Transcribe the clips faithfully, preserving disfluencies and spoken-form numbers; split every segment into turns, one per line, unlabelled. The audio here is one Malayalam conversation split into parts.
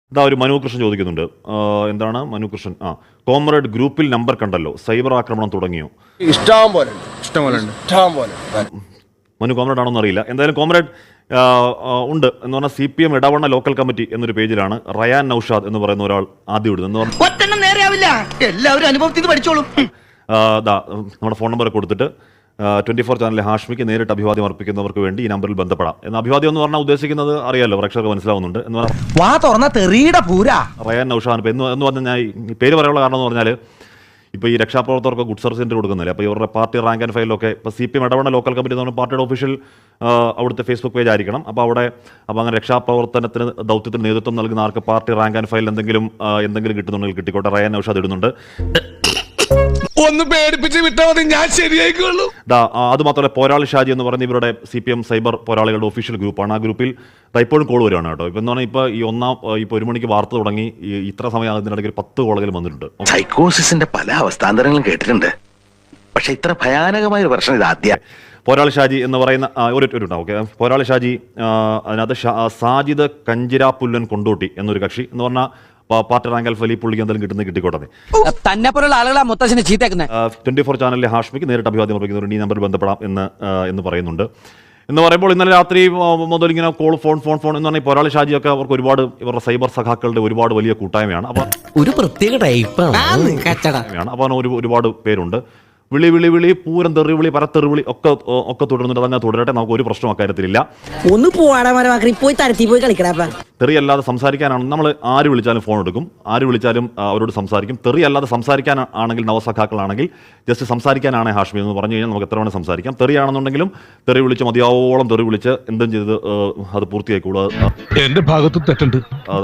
ഇതാ ഒരു മനു കൃഷ്ണൻ ചോദിക്കുന്നുണ്ട്. എന്താണ് മനു കൃഷ്ണൻ? ആ കോമ്രേഡ് ഗ്രൂപ്പിൽ നമ്പർ കണ്ടല്ലോ, സൈബർ ആക്രമണം തുടങ്ങിയോ?
ഇഷ്ടം പോലെ ഇഷ്ടം പോലെ ഇഷ്ടം പോലെ
മനു കോമ്രേഡ് ആണോന്ന് അറിയില്ല. എന്തായാലും കോമ്രേഡ് ഉണ്ട് എന്ന് പറഞ്ഞാൽ C P M Edavanna local committee എന്നൊരു പേജിലാണ് റയാൻ നൌഷാദ് എന്ന് പറയുന്ന ഒരാൾ ആദ്യം ഇടുന്നത്.
എല്ലാവരും അനുഭവത്തിൽ പഠിച്ചോളും.
നമ്മുടെ ഫോൺ നമ്പർ കൊടുത്തിട്ട് ട്വന്റി ഫോർ ചാനലിലെ ഹാഷ്മിക്ക് നേരിട്ട് അഭിവാദ്യം അർപ്പിക്കുന്നവർക്ക് വേണ്ടി ഈ നമ്പറിൽ ബന്ധപ്പെടാം എന്ന്. അഭിവാദ്യം എന്ന് പറഞ്ഞാൽ ഉദ്ദേശിക്കുന്നത് അറിയാലോ, പ്രേക്ഷകർക്ക് മനസ്സിലാവുന്നുണ്ട് എന്ന് പറഞ്ഞാൽ റയാൻ നൌഷാദ് എന്ന് എന്ന് പറഞ്ഞാൽ ഞാൻ ഈ പേര് പറയാനുള്ള കാരണം എന്ന് പറഞ്ഞാൽ ഇപ്പോൾ ഈ രക്ഷാപ്രവർത്തകർക്ക് ഗുഡ് സർവീസ് സെൻ്റർ കൊടുക്കുന്നില്ല. അപ്പോൾ ഇവരുടെ പാർട്ടി റാങ്ക് ആൻഡ് ഫയലൊക്കെ ഇപ്പോൾ C P M Edavanna local committee എന്ന് പറഞ്ഞാൽ പാർട്ടിയുടെ ഒഫീഷ്യൽ അവിടുത്തെ ഫേസ്ബുക്ക് പേജ് ആയിരിക്കണം. അപ്പോൾ അവിടെ അപ്പോൾ അങ്ങനെ രക്ഷാപ്രവർത്തനത്തിന് ദൗത്യത്തിന് നേതൃത്വം നൽകുന്ന ആർക്ക് പാർട്ടി റാങ്ക് ആൻഡ് ഫയൽ എന്തെങ്കിലും എന്തെങ്കിലും കിട്ടുന്നുണ്ടെങ്കിൽ കിട്ടിക്കോട്ടെ. റയാൻ നൌഷാദ് ഇടുന്നുണ്ട്.
ഒന്ന് പേടിപ്പിച്ച് വിട്ടാൽ മതി, ഞാൻ ശരിയായിക്കോളൂ.
അത് മാത്രമല്ല പോരാളി ഷാജി എന്ന് പറയുന്ന ഇവരുടെ സി പി എം സൈബർ പോരാളികളുടെ ഒഫീഷ്യൽ ഗ്രൂപ്പാണ്. ആ ഗ്രൂപ്പിൽ ഇപ്പോഴും കോൾ വരുവാണ് കേട്ടോ. ഇപ്പം എന്ന് പറഞ്ഞാൽ ഇപ്പോൾ ഈ ഒന്നാം ഇപ്പോൾ ഒരു മണിക്ക് വാർത്ത തുടങ്ങി ഇത്ര സമയം അതിനിടയ്ക്ക് പത്ത് കോളുകൾ വന്നിട്ടുണ്ട്.
സൈക്കോസിന്റെ പല അവസ്ഥാന്തരങ്ങളും കേട്ടിട്ടുണ്ട്, പക്ഷെ ഇത്ര ഭയാനകമായ ഒരു പ്രശ്നം ഇത് ആദ്യം.
പോരാളി ഷാജി എന്ന് പറയുന്ന ഒരു ഉണ്ടാവും. ഓക്കെ, പോരാളി ഷാജി അതിനകത്ത് സാജിദ് കഞ്ചിരാപ്പുല്ലൻ കൊണ്ടോട്ടി എന്നൊരു കക്ഷി എന്ന് പറഞ്ഞാൽ പാർട്ടി റാങ്ക് ആൻഡ് ഫയൽ ഈ പുള്ളിക്ക് എന്തെങ്കിലും കിട്ടുന്നത് കിട്ടിക്കോട്ടെ. ട്വന്റി ഫോർ ചാനലിലെ ഹാഷ്മിക്ക് നേരിട്ട് അഭിവാദ്യം അർപ്പിക്കുന്നവർ ഈ നമ്പറിൽ ബന്ധപ്പെടാം എന്ന് എന്ന് പറയുന്നുണ്ട്. എന്ന് പറയുമ്പോൾ ഇന്നലെ രാത്രി മുതൽ ഇങ്ങനെ കോൾ ഫോൺ ഫോൺ ഫോൺ എന്ന് പറഞ്ഞാൽ പോരാളി ഷാജിയൊക്കെ അവർക്ക് ഒരുപാട് ഇവരുടെ സൈബർ സഖാക്കളുടെ ഒരുപാട് വലിയ കൂട്ടായ്മയാണ്. അപ്പോൾ
ഒരു പ്രത്യേക ടൈപ്പാണ്.
അപ്പോൾ ഒരു ഒരുപാട് പേരുണ്ട്. വിളി വിളി വിളി പൂരം തെറിവിളി പരത്തെറിവിളി ഒക്കെ ഒക്കെ തുടരുന്നുണ്ട്. അതങ്ങനെ തുടരട്ടെ, നമുക്ക് ഒരു പ്രശ്നം അക്കാര്യത്തിലില്ല.
ഒന്ന് പോയി തരത്തി പോയി കളിക്കടാ.
തെറി അല്ലാതെ സംസാരിക്കാനാണ് നമ്മൾ ആര് വിളിച്ചാലും ഫോൺ എടുക്കും, ആര് വിളിച്ചാലും അവരോട് സംസാരിക്കും. തെറി അല്ലാതെ സംസാരിക്കാൻ ആണെങ്കിൽ നവസഖാക്കളാണെങ്കിൽ ജസ്റ്റ് സംസാരിക്കാനാണ് ഹാഷ്മി എന്ന് പറഞ്ഞു കഴിഞ്ഞാൽ നമുക്ക് എത്ര വേണം സംസാരിക്കാം. തെറിയാണെന്നുണ്ടെങ്കിലും തെറി വിളിച്ച് മതിയാവോളം തെറി വിളിച്ച് എന്തും ചെയ്ത് അത് പൂർത്തിയായിക്കോളൂ.
എന്റെ ഭാഗത്തും തെറ്റുണ്ട്,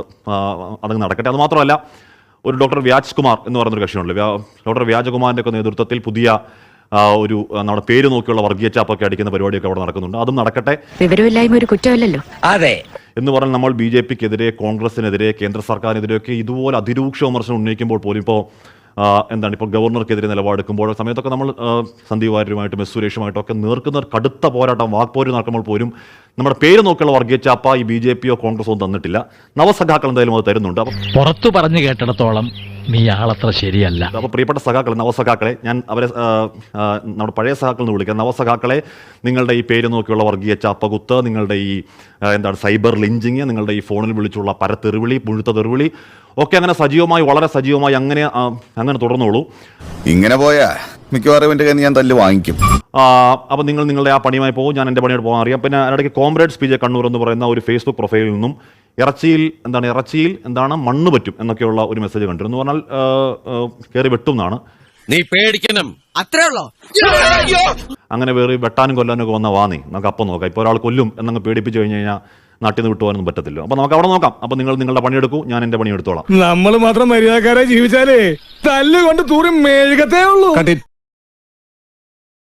അതങ്ങ് നടക്കട്ടെ. അത് മാത്രമല്ല ഒരു ഡോക്ടർ വ്യാജ് കുമാർ എന്ന് പറയുന്നൊരു കക്ഷിയുണ്ട്. ഡോക്ടർ വ്യാജകുമാറിൻ്റെ ഒക്കെ നേതൃത്വത്തിൽ പുതിയ ഒരു നമ്മുടെ പേര് നോക്കിയുള്ള വർഗീയ ചാപ്പൊക്കെ അടിക്കുന്ന പരിപാടിയൊക്കെ അവിടെ നടക്കുന്നുണ്ട്. അതും നടക്കട്ടെ.
വിവരമില്ലായ്മ ഒരു കുറ്റമല്ലല്ലോ.
അതെ
എന്ന് പറഞ്ഞാൽ നമ്മൾ ബി ജെ പിക്കെതിരെ, കോൺഗ്രസിനെതിരെ, കേന്ദ്ര സർക്കാരിനെതിരെയൊക്കെ ഇതുപോലെ അതിരൂക്ഷ വിമർശനം ഉന്നയിക്കുമ്പോൾ പോലും ഇപ്പോൾ എന്താണ് ഇപ്പോൾ ഗവർണർക്കെതിരെ നിലപാടെടുക്കുമ്പോൾ സമയത്തൊക്കെ നമ്മൾ സന്ദീപ് വാര്യരുമായിട്ടും എസ് സുരേഷുമായിട്ടൊക്കെ നേർക്കുന്ന കടുത്ത പോരാട്ടം വാക്പോര് നടക്കുമ്പോൾ പോലും നമ്മുടെ പേര് നോക്കിയുള്ള വർഗീയ ചാപ്പ ഈ ബി ജെ പിയോ കോൺഗ്രസോ തന്നിട്ടില്ല. നവസഖാക്കൾ എന്തായാലും അത് തരുന്നുണ്ട്. അപ്പം
പുറത്തു പറഞ്ഞു കേട്ടിടത്തോളം നീ ആളത്ര ശരിയല്ല.
അപ്പോൾ പ്രിയപ്പെട്ട സഖാക്കളെ, നവസഖാക്കളെ, ഞാൻ അവരെ നമ്മുടെ പഴയ സഖാക്കൾ എന്ന് വിളിക്കാം. നവസഖാക്കളെ, നിങ്ങളുടെ ഈ പേര് നോക്കിയുള്ള വർഗീയ ചാപ്പകുത്ത്, നിങ്ങളുടെ ഈ എന്താണ് സൈബർ ലിഞ്ചിങ്, നിങ്ങളുടെ ഈ ഫോണിൽ വിളിച്ചുള്ള പരത്തെറിവിളി, മുഴുത്ത തെറിവിളി ഒക്കെ അങ്ങനെ സജീവമായി വളരെ സജീവമായി അങ്ങനെ അങ്ങനെ തുടർന്നോളൂ.
ഇങ്ങനെ പോയാ മിക്കവാറും എൻ്റെ കയ്യിൽ ഞാൻ തല്ല് വാങ്ങിക്കും.
അപ്പോൾ നിങ്ങൾ നിങ്ങളുടെ ആ പണിയുമായി പോകും, ഞാൻ എൻ്റെ പണിയോട് പോകാൻ അറിയാം. പിന്നെ അതിനിടയ്ക്ക് കോമ്രേഡ്സ് പി ജെ കണ്ണൂർ എന്ന് പറയുന്ന ഒരു ഫേസ്ബുക്ക് പ്രൊഫൈലിൽ നിന്നും ഇറച്ചിയിൽ എന്താണ് ഇറച്ചിയിൽ എന്താണ് മണ്ണ് പറ്റും എന്നൊക്കെയുള്ള ഒരു മെസ്സേജ് കണ്ടിരുന്നു. എന്ന് പറഞ്ഞാൽ കയറി വെട്ടും എന്നാണ്.
നീ പേടിക്കണം, അത്രേ ഉള്ളോ.
അങ്ങനെ വേറെ വെട്ടാനും കൊല്ലാനും ഒക്കെ വന്ന വാ നീ നമുക്ക് അപ്പം നോക്കാം. ഇപ്പോൾ ഒരാൾ കൊല്ലും എന്നങ്ങ് പേടിപ്പിച്ച് കഴിഞ്ഞ് കഴിഞ്ഞാൽ നാട്ടിൽ നിന്ന് വിട്ടുപോകാനൊന്നും പറ്റത്തില്ല. അപ്പോൾ നമുക്ക് അവിടെ നോക്കാം. അപ്പോൾ നിങ്ങൾ നിങ്ങളുടെ പണിയെടുക്കൂ, ഞാൻ എൻ്റെ പണിയെടുത്തോളാം.
നമ്മൾ മാത്രം മര്യാദക്കാരെ ജീവിച്ചാലേ തല്ലുകൊണ്ട് തൂറി മെഴുകത്തേ ഉള്ളൂ.